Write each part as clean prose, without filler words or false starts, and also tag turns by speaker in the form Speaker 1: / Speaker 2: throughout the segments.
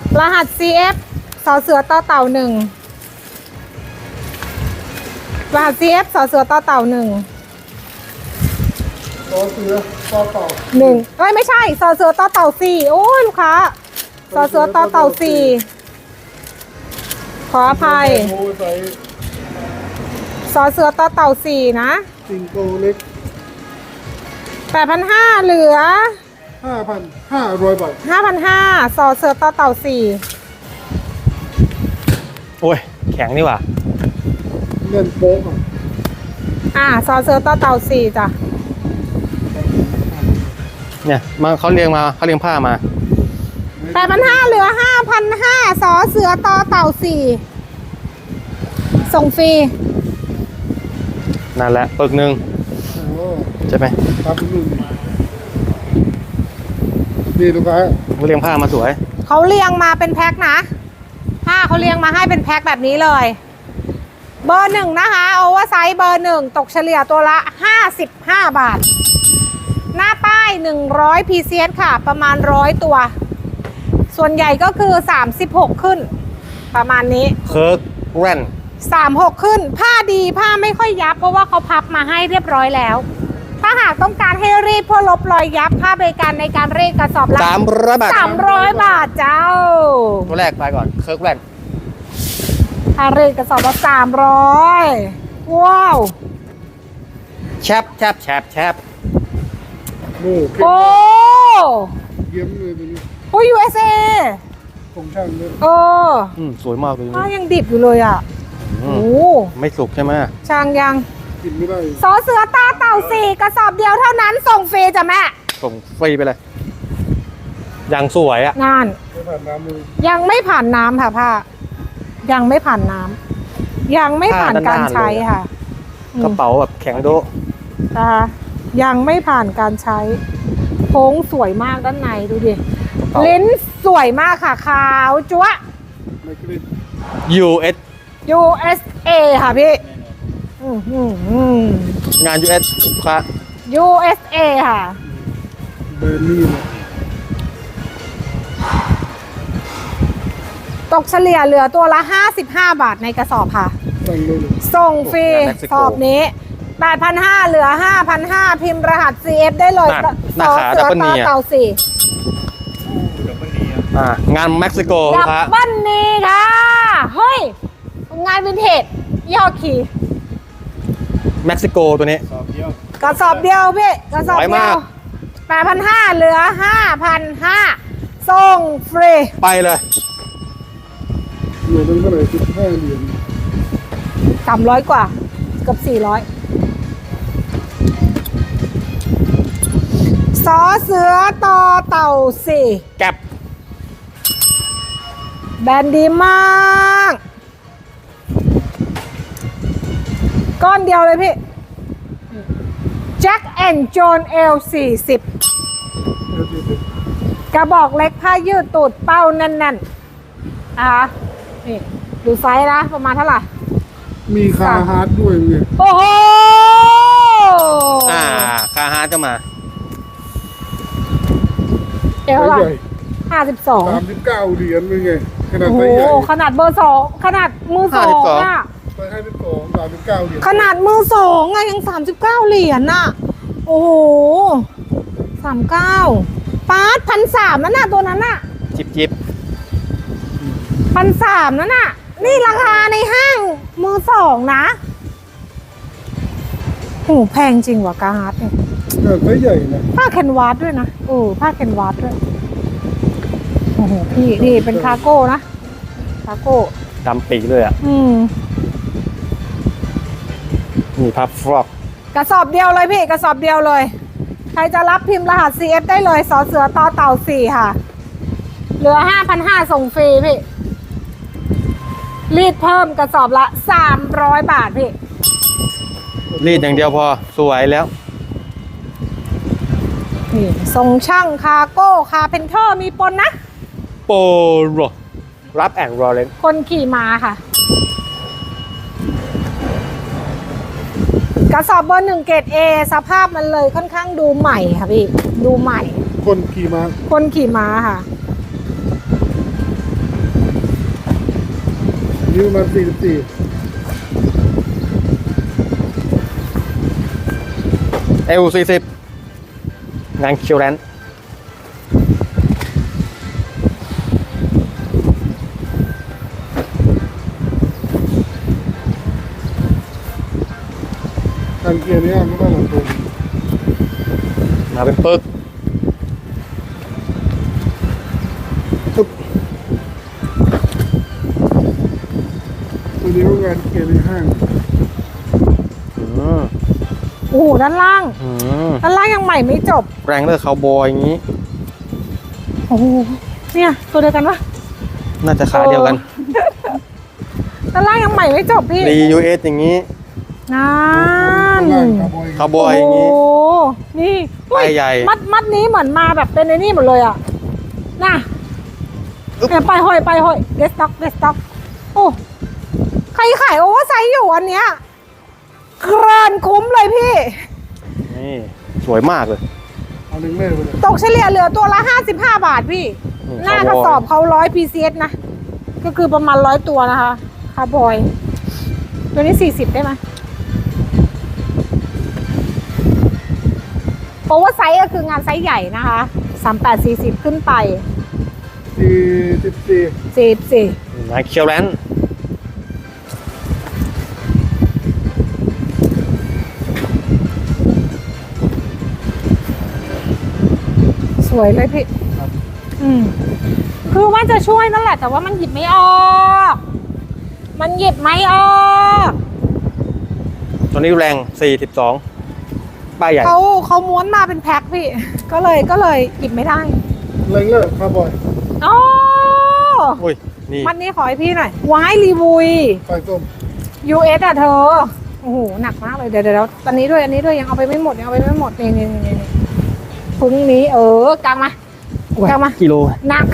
Speaker 1: รหัส CF สอเสือต่อเต่า1รหัส CF สอเสือต่อเต่า1
Speaker 2: สอเสือต่อเต่า
Speaker 1: 1เอ้ยไม่ใช่สอเสือต่อเต่า4โอ้ยลูกค้าสอเสือต่อเต่า4ขออภัยสอเสือต่อเต่า4นะ
Speaker 2: ซิงโกเล็ก
Speaker 1: 8,500เหลือ
Speaker 2: 5,500 บาท
Speaker 1: 5,500สอเสือต่อเต่า4
Speaker 3: โอ้ยแข็งนี่หว่า
Speaker 2: เงินโป๊ก
Speaker 1: สอเสือต่อเต่า4จ้ะ
Speaker 3: เนี่ยมาเขาเรียงผ้ามา
Speaker 1: 8,500เหลือ 5,500สอเสือต่อเต่า4ส่งฟรี
Speaker 3: นั่นแหละปึกหนึ่งใช่ไหม
Speaker 2: ครับ1นี่ลูกค้า
Speaker 3: เขาเรียงผ้ามาสวย
Speaker 1: เขาเรียงมาเป็นแพ็คนะผ้าเขาเรียงมาให้เป็นแพ็คแบบนี้เลย เบอร์1นะคะโอเวอร์ไซส์เบอร์1ตกเฉลี่ยตัวละ55 บาท หน้าป้าย100 PCS ค่ะประมาณ100ตัวส่วนใหญ่ก็คือ36ขึ้นประมาณนี้
Speaker 3: เคิร์กแรน
Speaker 1: 36ขึ้นผ้าดีผ้าไม่ค่อยยับเพราะว่าเขาพับมาให้เรียบร้อยแล้วถ้าหากต้องการให้รีดเพื่อลบรอยยับค่าบริการในการรีดกระสอบละ
Speaker 3: 300 บาท
Speaker 1: 300 บาทเจ้า
Speaker 3: ตัวแรกไปก่อนเคิร์กแรน
Speaker 1: ค่ารีดกระสอบละ300ว้าว
Speaker 3: แชบ
Speaker 2: โอ้
Speaker 1: โอ้
Speaker 2: เยี่ยมเลยตัวนี้
Speaker 1: โอ้ USA
Speaker 2: ของช่างเลย
Speaker 1: โอ้
Speaker 3: สวยมากเลย
Speaker 1: ผ้ายังดิบอยู่เลยอ่ะโอ้
Speaker 3: ไม่สุกใช่ไหม
Speaker 1: ช่างยัง
Speaker 2: กินไม่ได้
Speaker 1: สอเสือตาเต่า4กระสอบเดียวเท่านั้นส่งฟรีจ้ะแม่
Speaker 3: ส่งฟรีไปเลยอย่างสวยอ่ะ
Speaker 1: นั่น
Speaker 2: ไม่ผ่านน้ำเลย
Speaker 1: ยังไม่ผ่านน้ำค่ะผ้ายังไม่ผ่านน้ำยังไม่ผ่านการใช้ค่ะ
Speaker 3: กระเป๋าแบบแข็งโด
Speaker 1: นะคะยังไม่ผ่านการใช้โค้งสวยมากด้านในดูดิลิ้นสวยมากค่ะขาวจั๊วะ
Speaker 2: ไม่กลิ้น
Speaker 3: US
Speaker 1: USA ค่ะพี่
Speaker 3: งาน US ลูกค้า
Speaker 1: USA ค่ะ
Speaker 2: เบอร์นี่นะ
Speaker 1: ตกเฉลี่ยเหลือตัวละ55 บาทในกระสอบค่ะ
Speaker 2: สั่งเลย
Speaker 1: ส่งฟรีสอบนี้ 8,500เหลือ 5,500 พิมพ์รหัส CF ได้เลยสอเสือตาเต่า4
Speaker 3: งานเม็กซิโกลู
Speaker 1: ดั
Speaker 3: ก
Speaker 1: บ
Speaker 3: ค้า
Speaker 1: เบิ้ลนี่ค่ะ เฮ้ย งานวินเทจย่อขี่
Speaker 3: เม็กซิโกตัวนี้
Speaker 1: กระสอบเดียวพี่กระสอบ
Speaker 3: สวย
Speaker 1: เดี
Speaker 3: มาย ก
Speaker 1: ว 8,500เหลือ 5,500ส่งฟรี
Speaker 3: ไปเลย
Speaker 2: เหรียญนึงเท่าไหร่15 เหรียญ
Speaker 1: 300 กว่าเกือบ400สอเสือต่อเต่า4
Speaker 3: แก็บ
Speaker 1: แบรนด์ดีมากก้อนเดียวเลยพี่ Jack and John L40 กระบอกเล็กผ้ายืดตูดเป้าแน่นๆนะคะนี่ดูไซส์นะประมาณเท่าไหร่
Speaker 2: มีคาฮาร์ดด้วยไง
Speaker 1: โอ้โห
Speaker 3: คาฮาร์ดก็มา
Speaker 1: เอวเท่าไหร่ 52
Speaker 2: 39 เหรียญเป็นไงขนาด
Speaker 1: โอ้โห
Speaker 2: ไซส์ใหญ่
Speaker 1: ขนาดเบอร์2ขนาดมือ2อ่ะ
Speaker 2: ไปให้เป็นของ39 เหรียญ
Speaker 1: ขนาดมือ2อ่ะยัง39 เหรียญน่ะโอ้โห39ปาร์ต1,300นั่นน่ะตัวนั้นน่ะ
Speaker 3: จิบ
Speaker 1: 1,300นั่นน่ะนี่ราคาในห้างมือ2นะโอ้แพงจริงว่ะกาฮาร์ดเนี่ย
Speaker 2: ไซส์ใหญ่นะ
Speaker 1: ผ้าแคนวาสด้วยนะผ้าแคนวาสด้วยโอ้โหพี่นี่เป็นคาร์โก้นะคาร์โก้
Speaker 3: ดำปีเลยอ่ะนี่พับฟรอก
Speaker 1: กระสอบเดียวเลยพี่กระสอบเดียวเลยใครจะรับพิมพ์รหัส CF ได้เลยสอเสือต่อเต่า4ค่ะเหลือ 5,500 ส่งฟรีพี่รีดเพิ่มกระสอบละ300 บาทพี่
Speaker 3: รีดอย่างเดียวพอสวยแล้ว
Speaker 1: นี่ส่งช่างคาร์โก้คาเพนเทอร์มีปนนะ
Speaker 3: โปโรรับแอนด์รอเลน
Speaker 1: คนขี่ม้าค่ะ กระสอบเบอร์1เกรด A สภาพมันเลยค่อนข้างดูใหม่ค่ะพี่ดูใหม่
Speaker 2: คนขี่ม้า
Speaker 1: คนขี่ม้าค่ะ
Speaker 2: นี้ประมาณ44
Speaker 3: L40 งานคิวแลนด์
Speaker 2: ทางเกียร์นี้ไม่ต้องหลังตรง
Speaker 3: มาเป็นปึ๊กปึ๊บ
Speaker 2: ตัวนี้ก็งานเกียร์ในห้าง
Speaker 3: อืม
Speaker 1: โอ้โหด้านล่าง
Speaker 3: อืม
Speaker 1: ด้านล่างยังใหม่ไม่จบ
Speaker 3: แรงเลอร์คาวบอยอย่างนี้
Speaker 1: โอ้โหเนี่ยตัวเดียวกันปะ
Speaker 3: น่าจะขาเดียวกัน
Speaker 1: ด้านล่างยังใหม่ไม่จบพี่
Speaker 3: DUS อย่างนี้
Speaker 1: นั่น
Speaker 2: ข้างล่างคาร์บอย
Speaker 3: คาวบอยอย่างนี้
Speaker 1: โอ้นี่
Speaker 3: ป้ายใหญ่
Speaker 1: มัดนี้เหมือนมาแบบเป็นไอ้นี่หมดเลยอ่ะน่ะเนี่ยไปห้อยเดสต็อกโอ้ใครขายโอเวอร์ไซส์อยู่อันเนี้ยเกินคุ้มเลยพี่
Speaker 3: นี่สวยมากเลย
Speaker 2: เอาหนึ่งเล่ไปเลย
Speaker 1: ตกเฉลี่ยเหลือตัวละ55 บาทพี่ หน้ากระสอบเขา100 PCS นะ ก็คือประมาณ100 ตัวนะคะคาร์บอย ตัวนี้40ได้ไหมโอเวอร์ไซส์ก็คืองานไซส์ใหญ่นะคะ38 40ขึ้นไป
Speaker 2: 44
Speaker 1: 44
Speaker 3: งานคิวแลนด์
Speaker 1: สวยเลยพี่ คือว่าจะช่วยนั่นแหละ แต่ว่ามันหยิบไม่ออก
Speaker 3: ตัวนี้แรง42ป้ายใหญ่
Speaker 1: เขาม้วนมาเป็นแพ็คพี่ ก็เลยหยิบไม่ได้
Speaker 2: แรงเลอร์คาร์บอย
Speaker 1: อ๋อ
Speaker 3: อุ้ย นี่
Speaker 1: มัดนี้ขอให้พี่หน่อยวายรีวุย
Speaker 2: ไฟส้ม
Speaker 1: US อ่ะเธอ โอ้โห หนักมากเลย เดี๋ยวอันนี้ด้วยยังเอาไปไม่หมดนี่พรุ่งนี้กางมากางมา
Speaker 3: กิโล
Speaker 1: หนัก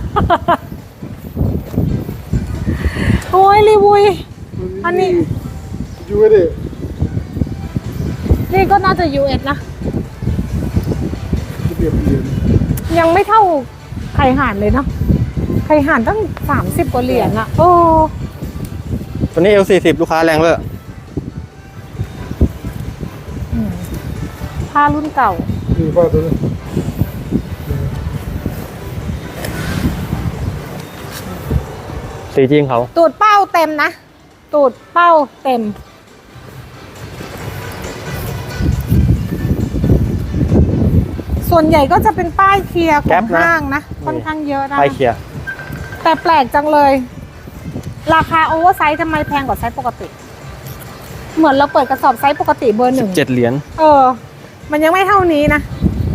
Speaker 1: โอ้ยรีวุย อันนี้
Speaker 2: ยูเอเด
Speaker 1: นี่ก็น่าจะ US นะ
Speaker 2: จะเปรียบเหรียญ
Speaker 1: ยังไม่เท่าไข่ห่านเลยเนาะ ไข่ห่านตั้ง30 กว่าเหรียญอะโอ้
Speaker 3: ตัวนี้ L40 ลูกค้าแรงเลย
Speaker 1: ผ้ารุ่นเก่า
Speaker 2: นี่ป้าตัวนี้
Speaker 3: สีจริงเขา
Speaker 1: ตูดเป้าเต็มนะ ตูดเป้าเต็ม ส่วนใหญ่ก็จะเป็นป้ายเคลียร์ของห้างนะ ค่อนข้างเยอะนะ
Speaker 3: ป้ายเคลียร์
Speaker 1: แต่แปลกจังเลย ราคาโอเวอร์ไซส์ทำไมแพงกว่าไซส์ปกติ เหมือนเราเปิดกระสอบไซส์ปกติเบอร์หนึ่ง
Speaker 3: 17 เหรียญ
Speaker 1: มันยังไม่เท่านี้นะ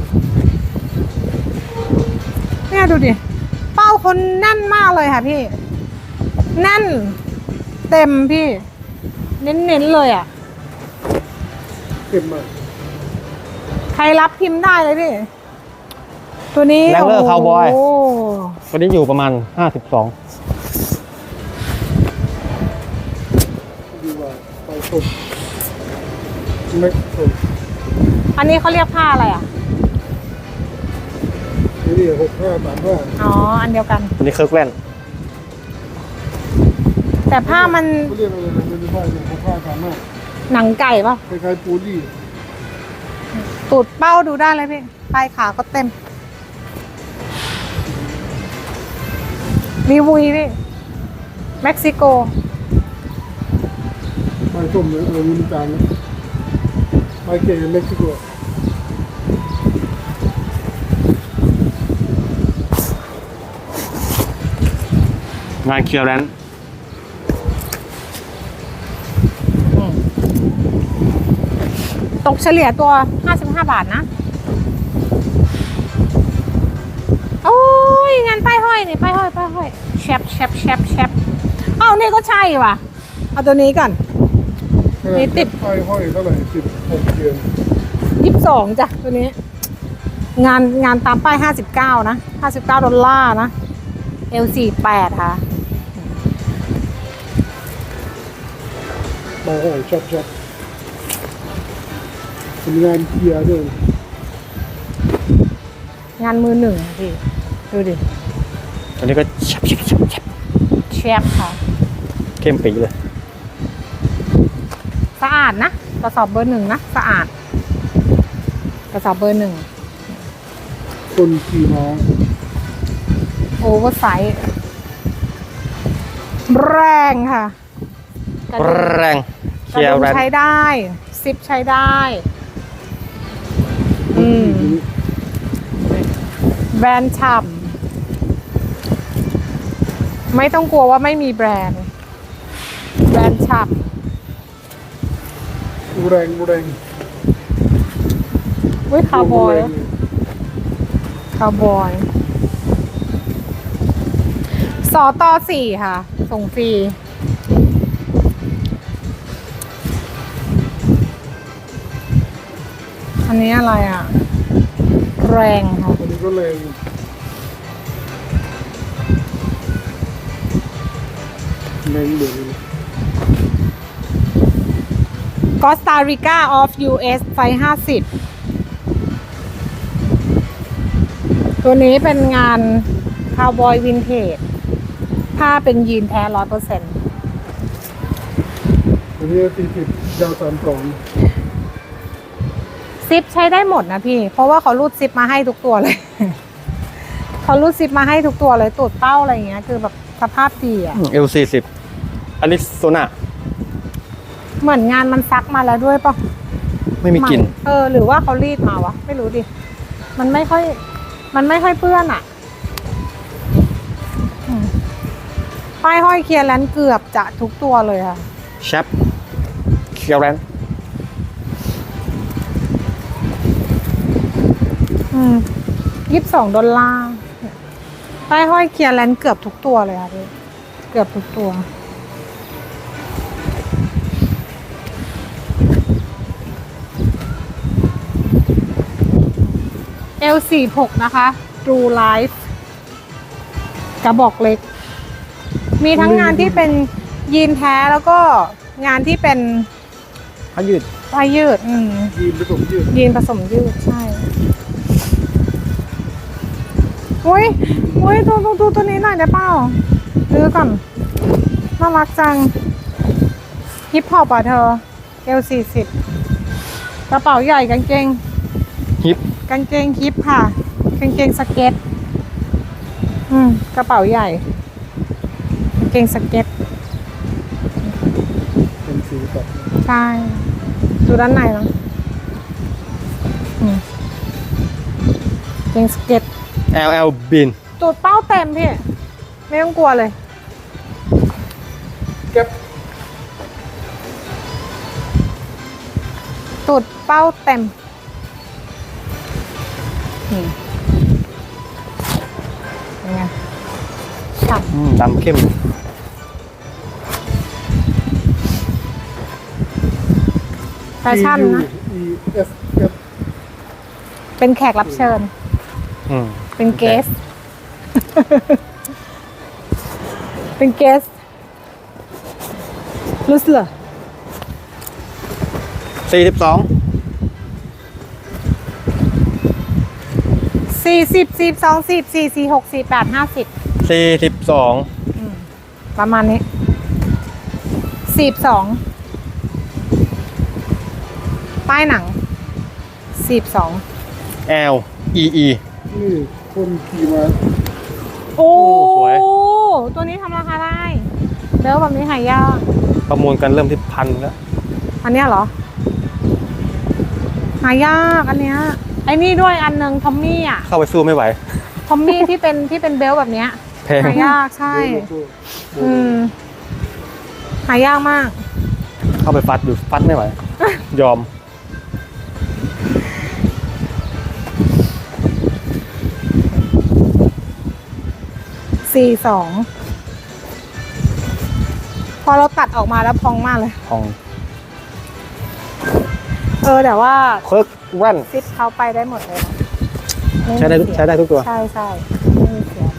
Speaker 1: เนี่ยดูดิ เป้าคนแน่นมากเลยค่ะพี่ แน่น เต็มพี่ เน้นๆเลยอ่ะ
Speaker 2: เก็บมา
Speaker 1: ใครรับพิมพ์ได้เลยพี่ ตัวนี้
Speaker 3: แรงเลอร์คาวบอย
Speaker 1: โ
Speaker 3: ตัวนี้อยู่ประมาณ 52
Speaker 2: ดีกว่าไฟส้มแม็กส้ม
Speaker 1: อันนี้เขาเรียกผ้าอะไรอ่ะ
Speaker 2: นี่6535
Speaker 1: อ๋อ อันเดียวกัน
Speaker 3: ตัวนี้เคิร์กแลนด์
Speaker 1: แต่ผ้ามัน
Speaker 2: เขาเรียกอะไรนะไม่ใช่เนี่ย6535
Speaker 1: หนังไก่ป่ะ
Speaker 2: คล้ายๆปูรี่
Speaker 1: ตูดเป้าดูได้เลยพี่ปลายขาก็เต็ม รีวุยพี่ เม็กซิโก
Speaker 2: ไฟส้มเนี่ยมีจานนะไฟเก๋เม็กซิโก
Speaker 3: งานคิวแลนด์
Speaker 1: ตกเฉลี่ยตัว 55 บาทนะ โอ้ยงานป้ายห้อยนี่ป้ายห้อยแชปเอ้านี่ก็ใช่ว่ะ เอาตัวนี้ก่อน นี่ติด
Speaker 2: ไฟห้อยเท่าไหร่16เดือน
Speaker 1: 22จ้ะตัวนี้ งานตามป้าย 59 นะ $59 นะ L48 ค่ะ
Speaker 2: ไฟห้อยชัดเป็นงานเกียร์ด้วย
Speaker 1: งานมือหนึ่งพี่ ดูดิ
Speaker 3: ตัวนี้ก็ชับ
Speaker 1: แชปค่ะ
Speaker 3: โอเคเข้มปีเลย
Speaker 1: สะอาดนะกระสอบเบอร์หนึ่งนะสะอาดกระสอบเบอร์หนึ่ง
Speaker 2: คนขี่ม้า
Speaker 1: โอเวอร์ไซส์แรงค่ะกระดุม
Speaker 3: แรง
Speaker 1: กระ
Speaker 3: เชียร์
Speaker 1: ดุม
Speaker 3: แรง
Speaker 1: ใช้ได้ซิปใช้ได้ แบรนด์ฉ่ำไม่ต้องกลัวว่าไม่มีแบรนด์ แบรนด์ฉ่
Speaker 2: แรงแรง
Speaker 1: ำอุ้ยคาวบอยคาวบอยสอตอสี่ค่ะ ส่งฟรี อันนี้อะไรอ่ะ แรงค่ะ
Speaker 2: อันนี้ก็แรงแรงเหลือเลย
Speaker 1: กอสตาริกาออฟ US ไซส์50 ตัวนี้เป็นงานคาวบอยวินเทจผ้าเป็นยีนแท้ 100%
Speaker 2: อันนี้40ยาว32
Speaker 1: ซิปใช้ได้หมดนะพี่ เพราะว่าเขารูดซิปมาให้ทุกตัวเลย เขารูดซิปมาให้ทุกตัวเลยตูดเป้าอะไรอย่างเงี้ย คือแบบสภาพดีอ่ะ
Speaker 3: L40 อลิโซนา
Speaker 1: เหมือนงานมันซักมาแล้วด้วยปะ
Speaker 3: ไม่มีกลิ่น
Speaker 1: หรือว่าเขารีดมาวะ ไม่รู้ดิ มันไม่ค่อยเปื้อนอ่ะป้ายห้อยเคลียร์แลนด์เกือบจะทุกตัวเลยค่ะ
Speaker 3: แชปเชียร์แรง
Speaker 1: $22ป้ายห้อยเคลียร์แลนด์เกือบทุกตัวเลยค่ะพี่เกือบทุกตัว L46 นะคะ True Life กระบอกเล็ก มีทั้งงานที่เป็นยีนแท้แล้วก็งานที่เป็น
Speaker 3: ผ้ายืด
Speaker 1: ป้ายยืด
Speaker 2: ยีนผสมยืด
Speaker 1: ยีนผสมยืดใช่อุ้ยดูตัวนี้หน่อยได้เปล่าซื้อก่อนน่ารักจังฮิปฮอปอ่ะเธอ L40 กระเป๋าใหญ่กางเกง
Speaker 3: ฮิป
Speaker 1: กางเกงฮิปค่ะกางเกงสเก็ตกระเป๋าใหญ่กางเกงสเก็ต
Speaker 2: เป็นสีแบบ
Speaker 1: ใช่ดูด้านในเนาะกางเกงสเก็ต
Speaker 3: LL บิน
Speaker 1: ตูดเป้าเต็มพี่ ไม่ต้องกลัวเลย
Speaker 2: แก๊ป
Speaker 1: ตูดเป้าเต็มยังไงฉ่
Speaker 3: ดำเข้ม
Speaker 1: ำแฟชั่นนะ
Speaker 2: ES แก๊ป
Speaker 1: เป็นแขกรับเชิญ เป็นเกส เป็นเกสรู้สึกเหรอ
Speaker 3: 42
Speaker 1: 40 42 44 46 48 50
Speaker 3: 42
Speaker 1: ประมาณนี้42ป้ายหนัง42
Speaker 3: L E E
Speaker 2: นี่คนขี่ม้า
Speaker 1: โอ้
Speaker 3: สวย
Speaker 1: ตัวนี้ทำราคาได้เดี๋ยวแบบนี้หายาก
Speaker 3: ประมูลกันเริ่มที่1,000แล้ว
Speaker 1: อันเนี้ยเหรอ หายากอันเนี้ยไอ้นี่ด้วยอันหนึ่งทอมมี่อ่ะ
Speaker 3: เข้าไปสู้ไม่ไหว
Speaker 1: ทอมมี่ที่เป็นเบลต์แบบเนี้ย
Speaker 3: แพง
Speaker 1: หายากใช่
Speaker 2: โลโก้
Speaker 1: หายากมาก
Speaker 3: เข้าไปฟัดอยู่ฟัดไม่ไหว ยอม
Speaker 1: 42พอเราตัดออกมาแล้วพองมากเลย
Speaker 3: ของ
Speaker 1: แต่ว่า
Speaker 3: เคิร์กแว่น
Speaker 1: ซิปเขาไปได้หมดเลยนะม่มี
Speaker 3: ใช้ได้
Speaker 1: เสีย
Speaker 3: ใช้ได้ทุกตัว
Speaker 1: ใช่ไม่มีเสีย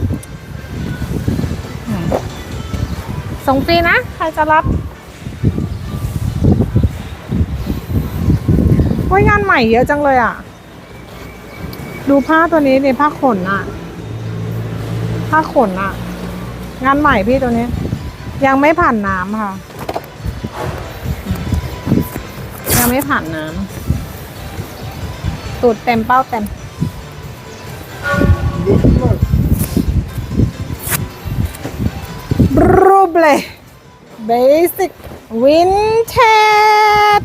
Speaker 1: ส่งฟรีนะ ใครจะรับโอ้ยงานใหม่เยอะจังเลยอ่ะ ดูผ้าตัวนี้ในผ้าขนอ่ะ ผ้าขนอ่ะ งานใหม่พี่ตัวนี้ยังไม่ผ่านน้ำค่ะ ยังไม่ผ่านน้ำตูดเต็มเป้าเต็ม รูปเลย Basic Vintage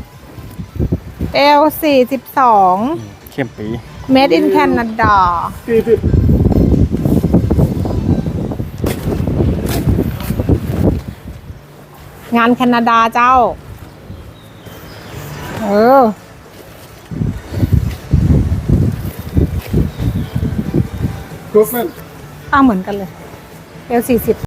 Speaker 1: L42
Speaker 3: เข้มปี
Speaker 1: Made in Canada
Speaker 2: 40
Speaker 1: งานแคนาดาเจ้า
Speaker 2: Copeland
Speaker 1: เหมือนกันเลย L40